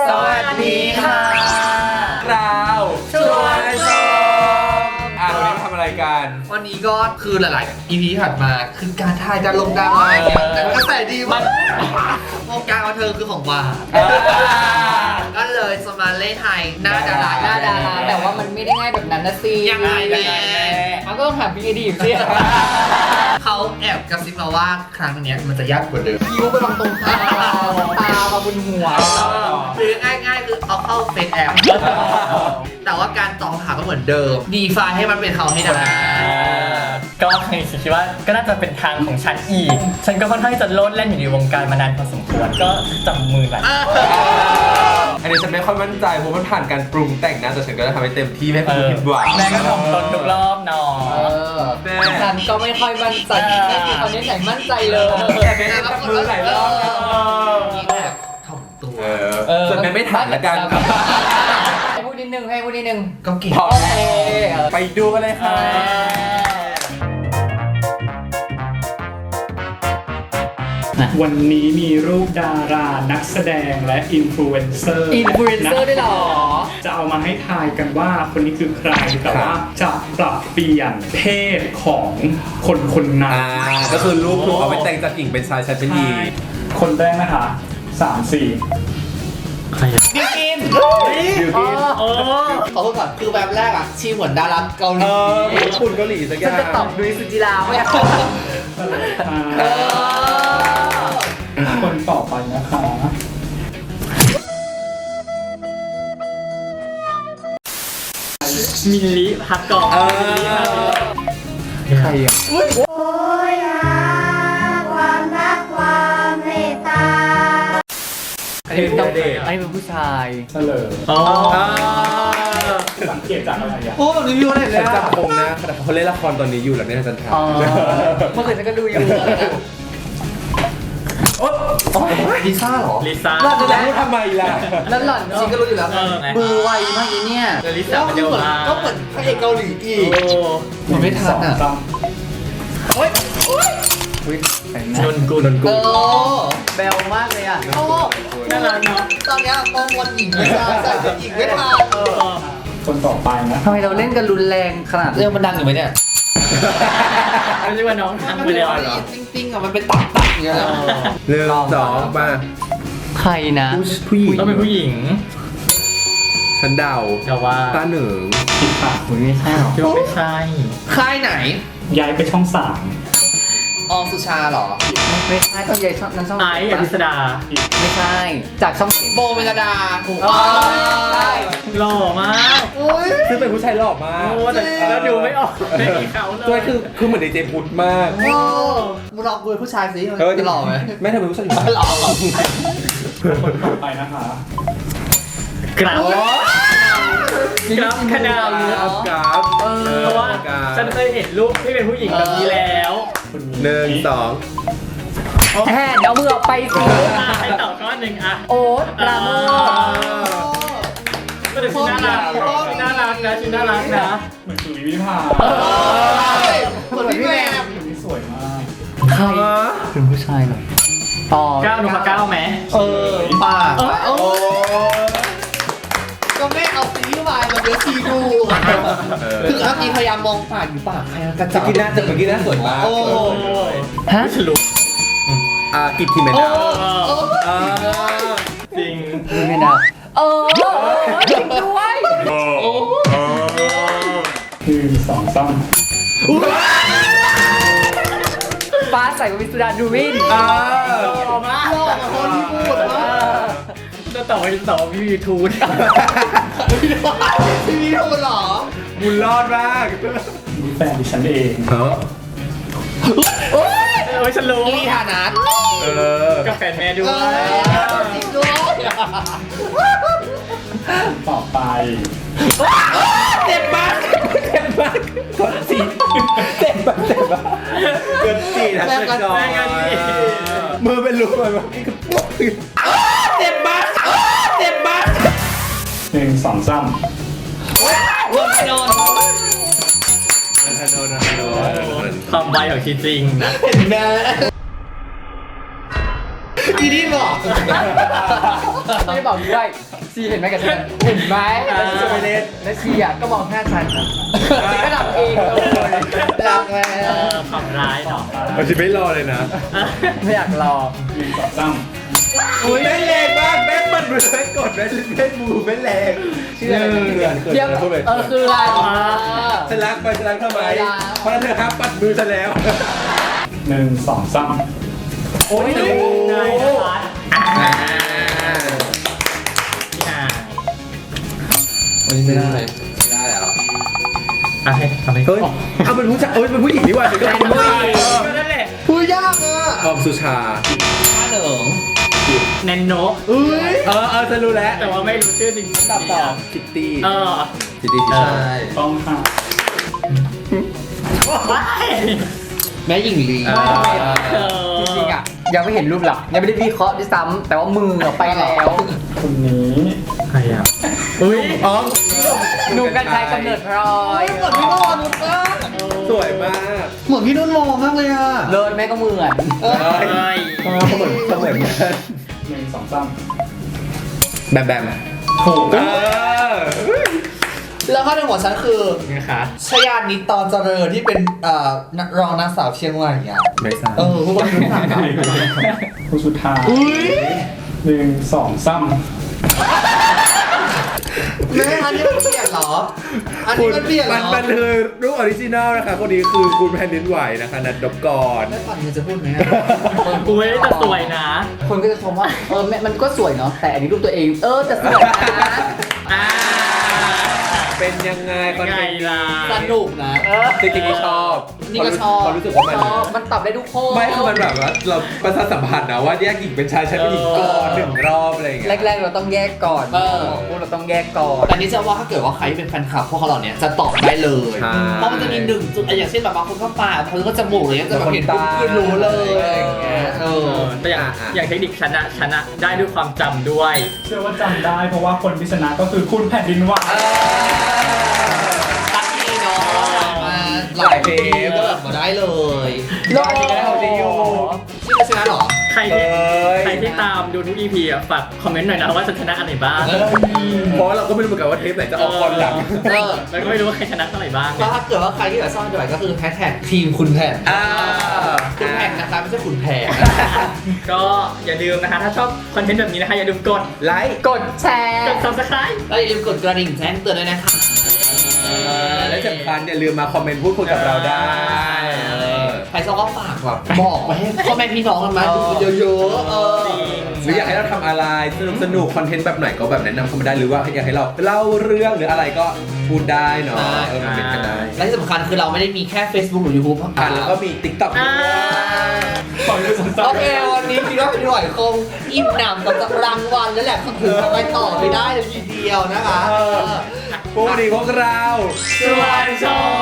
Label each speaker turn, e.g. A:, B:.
A: สวัสดีค่ะ
B: เราชวนชมวันนี้ทำอะไรกัน
A: วันนี้ก็คือหลายๆ EP ถัดมาคือการถ่ายดาราเนี่ยแต่กระแสดีมากวงการบันเทิงคือของหวานก็เลยจะมาเล่นไทยหน้าดารา
C: แต่ว่ามันไม่ได้ง่ายแบบนั้นนะสิ
A: ยังไงแม่
C: มันก็ต้องถามพี่อดีตสิ
A: เขาแอบกระซิบมาว่าครั้งนี้มันจะยากกว่าเดิม
C: คิ้วไปวางตรงตามาบนหัว
A: หรือง่ายๆคือเอาเข้าเฟซแอปแต่ว่าการตอบถามก็เหมือนเดิมดีไฟให้มันเป็นเขาให้ได้
D: ก็คิดว่าก็น่าจะเป็นทางของฉันอีก ฉันก็ค่อนข้างจะโลดแล่นอยู่ในวงการมานานพอสมควรก็จับมือหลาย
B: อันนี้ฉันไม่ค่อยมั่นใจเพราะมันผ่านการปรุงแต่งนะแต่ฉันก็จะทำให้เต็มที่ไม่ให้คุณผิดหวัง
D: แม่ก็ทำตนทุกรอบเนาะ
C: ฉันก็ไม่ค่อยมั่นใจไม่มีคนนี้ไหนมั่นใจเลย
B: แต่เป็นจับมือหลายรอบนะ
A: นี่แบบถ่อมตัว
B: ส่วนแม่ไม่ถามละกัน
C: ให้พูดนิดนึงให้พูดนิดนึง
A: ก็เก่ง
B: พอ
C: โอเค
B: ไปดูกันเลยค่ะ
E: วันนี้มีรูปดารานักแสดงและอินฟลูเอนเซอร์
C: อินฟลูเอนเซอร์ได้หรอ
E: จะเอามาให้ทายกันว่าคนนี้คือใคร แต่ว่าจะปรับเปลี่ยนเพศของคนคนนั้น
B: ก็คือรูปถูกเอาไปแต่งจากกิ่งเป็นชายชายเป็นหญิง
E: คนแรกนะคะ3-4
A: บิวกิน
B: บิวกิน
A: ขอโทษก่อนคือแบบแรกอ่ะชีเหมือนดาราเกาหลี
B: ญี่ปุ่นเกาหลีสักอ
C: ฉัน
B: ย่าง
C: จะตอบดุยสุจิราไม่เอา
E: คนต่อไปนะคะ
D: มิลลิพักก่อน
B: ใครอ่ะ
F: โอยหาความรักความเมตตา
B: อันนี้เป็นเด็ก
C: ไอ้เป็นผู้ชาย
E: เฉลย
D: อ๋อ
E: สังเกตจากอะไรอ่ะ
A: โอ้แบบรีวิวอะไรเล
B: ฉั
A: ย
B: น
A: อะ
B: จำคงนะแต่เขาเล่นละครตอนนี้อยู่แล้วเนี่ยฉันถาม
C: เมื่อคืนฉันก็ดูอยู่
A: ลิซ่าเหรอ
D: ลิซ่า
B: เราจะพูดทำไมล่ะ
C: แล้วหล่อน
A: จริงก็รู้อยู่แล้ว
C: มือไวมากอีเนี่ย
D: เดลิซ่า
A: แล้ว
D: มัน
A: คื
D: เดี
A: อ
D: ยว
A: เหมือน
D: มา
A: ก็เหมือนพระเอกเกาหลีอีก มันไม่ทันอะ
E: 2-3
D: นนกุล
A: โอ้
C: เบลมากเลยอ่ะ
A: โอ้
D: น่ารักเนาะ
A: ตอนเนี้ยมองวันหญิงไม่ทันใส่เป็นหญิงไม่ทัน
E: คนต่อไปนะ
C: ทำไมเราเล่นกันรุนแรงขนาด
A: เรื่องมันดังอยู่ไหมเนี่ย
D: ไม่ใช่ว่าน้องทำไปเลยเหรอ
A: จริงๆอะมันเป็นตับอย่างเงี้ย
B: เรื่องสองมา
C: ใครนะ
B: ผู้หญิง
D: ต้องเป็นผู้หญิง
B: ฉันเดา
D: แต่ว่า
B: ตาเหนึ่ง
E: ผิดค่ะ
C: ไม่ใช่หรอ
D: คิดว่าไม่ใช่
A: ค่ายไหน
E: ย้ายไปช่อง
A: ออมสุชาเหรอ
C: ไม่ใช่ต้องใหญ่ช่องนั้นช่อง
D: ไอซ์อภิสดา
C: ไม่ใช่ จากช่อง
A: โบเมลดาถูก
C: อ๋อใช่
D: หล่อมาก
B: ซึ่งเป็นผู้ชายหล่อมาก
D: โอ้แต่แล้วดูไม่ออกไม่มีเขาเลย
B: ตัวคือเหมือนในเจพุทธมาก
A: โอ้มึงลองคุยผู้ชายสิจะหล่อไหม
B: แม่เธอเป็นผู้ชายอยู่
A: หล่อ
E: 3 คนต่อไปนะคะ
D: กราฟกราฟขนาด
B: กราฟ
D: เพราะว่าฉันเคยเห็นรูปที่เป็นผู้หญิงแบบนี้แล้ว
B: หนึ่งสอง
C: แทนเอามือออกไปสิ
D: ให้ตอบข้อหนึ่งอะ
C: โอ๊ตปราโมท
D: ก็แต่ชิ้นน่ารักชิ้นน่ารักนะชิ้นน่ารักนะ
E: เหมือนสุริวิภา
A: คนพี่แม่
E: คนนี้สวยมาก
C: ใครเป็นผู้ชายเหรออ๋อ
D: ก้าวนุพก้าวไหม
A: ปากโอ้ก็ไม่เอาซีรีส์วายมาเดี๋ยวซีดูคือเมื่อกี้พยายามมองปากอยู่ปากใครกระ
B: เมื่
A: จั
B: อบ กี้หน้าเมื่อกี้หน้าสวยมาก
A: โอ้
C: ฮะ
D: ฉลุ
B: กิตติเมนดาว
D: จริง
C: ไม่ได้จริงด้วย
E: 1-2-3
C: ฟ้าใสวิสุดาดูวิน
D: หล่อมาก
A: หล่อมาคนที่พูดว่า
D: จะต่อไปต่อพี่ยูทูบ
A: ซีรีส์ทูเหรอ
B: บุญรอดมาก
E: มีแฟนดิฉันเอง
D: โอ้ยฉันรู้
A: นี่ฐานะ
D: กับแฟนแม่ด้วย
A: จริงด้วย
E: ต่อไป
A: เจ็บมาก
B: กดสีเจ็บแบบกดสีนะสกอร์มือเป็นรูเลยว่านี่คือพวก
A: เจ็บมากเจ็บมาก
E: 1-2-3
A: รวมโดน
D: ความไวของชีจริงนะ
A: เห็นไหมอีนี่บอก
C: ไม่ได้บอกด้วยซีเห็นไหมกับฉันเห็นไหม
B: จะไปเล่น
C: และซีอ่ะก็มองหน้าฉันซีก็ดับเองเลย
A: รักแม่
D: ความร้ายเนาะ
B: มันจะไม่รอเลยนะ
C: ไม่อยากรอ
B: อุ้ยไม่แรงมากแม่มันมือแม่กดแม่เล่นมือไม่แรงชื่ออะไรนะเขื่อน
C: เดี๋ยว
B: พูดไป
C: คืออะไร
B: ฉันรักไปฉันรักทำไมเพราะนั้นเธอครับปัดมือฉันแล้ว
E: 1 2 3
C: โอ้ย
D: นายนะคะพี่นาย
A: วันนี้ไม่ได้
B: ไม่ได้เหรอ
D: อ่ะให้ทำให้
B: เฮ้ยเอาเป็นผู้ชายเป็นผู้หญิงดีกว่าถึงก็เป็นผู้หญิง
D: นั่นแหละ
A: พูดยากอ่ะ
B: ออมสุชา
A: ป้าเหนิง
D: แนนโน
B: เออฉันรู้แล้ว
D: แต่ว่าไม่รู้ชื่อจริงตอบต่อ
B: คิตตี้
D: เออ
B: คิตตี้
A: ใช่
E: ต้องค่ะ
D: ว้าย
A: แม่หญิงลี
C: จริงๆอ่ะยังไม่เห็นรูปหลักยังไม่ได้วิเคราะห์ด้วยซ้ำแต่ว่ามือไปแล้ว
E: คนนี้
D: ใครอ่ะ
B: อุ้ยอ๋อ
C: หนุ่มกัญชัยกำเนิดพลอย
A: เหมือนพี่นุ่นวรนุชมาก
B: สวยมาก
A: เหมือนพี่นุ่นวรมากเลยอ่ะ
C: เลิศแม่ก็เหมือน
D: เฮ้ย
B: เขาเหมือนกัน
E: 1 2 3
B: แบมแบม
E: ถูก
B: เออ
A: แล้วข้อหนึ่งของฉันคือ
D: นะคะ
A: ชยานิตตอนเจริญที่เป็นรองนางสาวเชียงใหม่อ่ะ
B: ไม่ทราบ
A: พวกเรารู้จักกัน
E: ผู้สุดท้าย
A: อุ้ย
E: 1 2 3
A: แม่อันนี้มันเปลี่ยนเหรอ อันนี้มันเปลี่ยนเหรอ
B: มันคือรูปออริจินัลนะคะ คนนี้คือคุณแผ่นดินไหวนะคะ นัดดบกร
A: แม่ฝันมันจะพูดไหม
D: อุ้ยแต่สวยนะ
C: คนก็จะชมว่ามันก็สวยเนาะแต่อันนี้รูปตัวเองแต่สวยนะ
D: อ่า
B: เป็นยังไงคอน
D: ไง
B: เทนต์
D: ล่ะ
A: สนุกนะ
B: จริงๆก็ชอบ
A: นี่ก็ชอบ
B: เขารู้สึกว่ามัน
C: มันตอบได้ทุกข้อ
B: ไม่คือมันแบบว่าเราประสาทสัมพันธ์นะว่าแยกหญิงเป็นชายเป็นหญิงก่อน1 รอบอะไรอย่างเงี้ย
C: แรกๆเราต้องแยกก่อนพวกเราต้องแยกก่อน
A: แต่นี่จะว่าถ้าเกิดว่าใครที่เป็นแฟนคลับพวกเขาเหล่านี้จะตอบได้เลย
B: ใช่
A: เพราะมันจะมี1 จุดอย่างเช่นแบบบางคนก็ปากบางคนก็จมูกอะไรเงี้ยจะแบบเห็นปุ๊บคือรู้เลยอะไรอย่างเงี้ย
D: แต่อย่างเทคนิคชนะได้ด้วยความจำด้วย
E: เชื่อว่าจำได้เพราะว่าคนที่ชนะก็คือคุณแผ่นดินไหว
A: ตักดีเนาะมาหลายเพลงก็แบบมาได้เลย
C: โล
B: ก็ได้เอาดีอยู่
A: ชื่อชนะเหรอ
D: ใครที่ตามดูทุก EP อ่ะฝากคอมเมนต์หน่อยนะว่าจะชนะอันไหนบ้าง
B: เพราะเราก็ไม่รู้เหมือนกันว่าเทปไหนจะออกก่อนหลัง
D: แล้วก็ไม่รู้ว่าใครชนะเท่าไหร่บ้าง
A: แล้วถ้าเกิดว่าใครที่แบบซ่อนด้วยก็คือแฮชแท็กทีมคุณแผน
B: อ่า
A: คุณแผนนะคะไม่ใช่คุณแผน
D: ก็อย่าลืมนะคะ ถ้าชอบคอนเทนต์แบบนี้นะคะ อย่าลืมกด
B: ไลค์
C: กดแชร์
D: กด subscribe
A: แล้วอย่าลืมกดกระดิ่งแจ้งเตือนด้วยนะคะ
B: และสำคัญอย่าลืมมาคอมเมนต์พูดคุยกับเราได้
A: ใครชอบก็ฝากแบบบอกไปให้พ่อแม่พี่น้องกันมาดูเยอะๆ
B: หรืออยากให้เราทำอะไรสนุกคอนเทนต์แบบไหนก็แบบแนะนำเข้ามาได้หรือว่าอยากให้เราเล่าเรื่องหรืออะไรก็พูดได้เนาะมาเป็นกันได้
A: และที่สำคัญคือเราไม่ได้มีแค่ Facebook หรือ YouTube
B: แล้วก็มี TikTok ด้วย
A: โอเค วันนี้คิดว่าเป็นหน่วยคงอิ่มหนำกับรางวัลแล้วแหละถึงไปต่อไม่ได้เลยทีเดียวนะคะ
B: พวกนี้พวกเรา
D: สวัสดี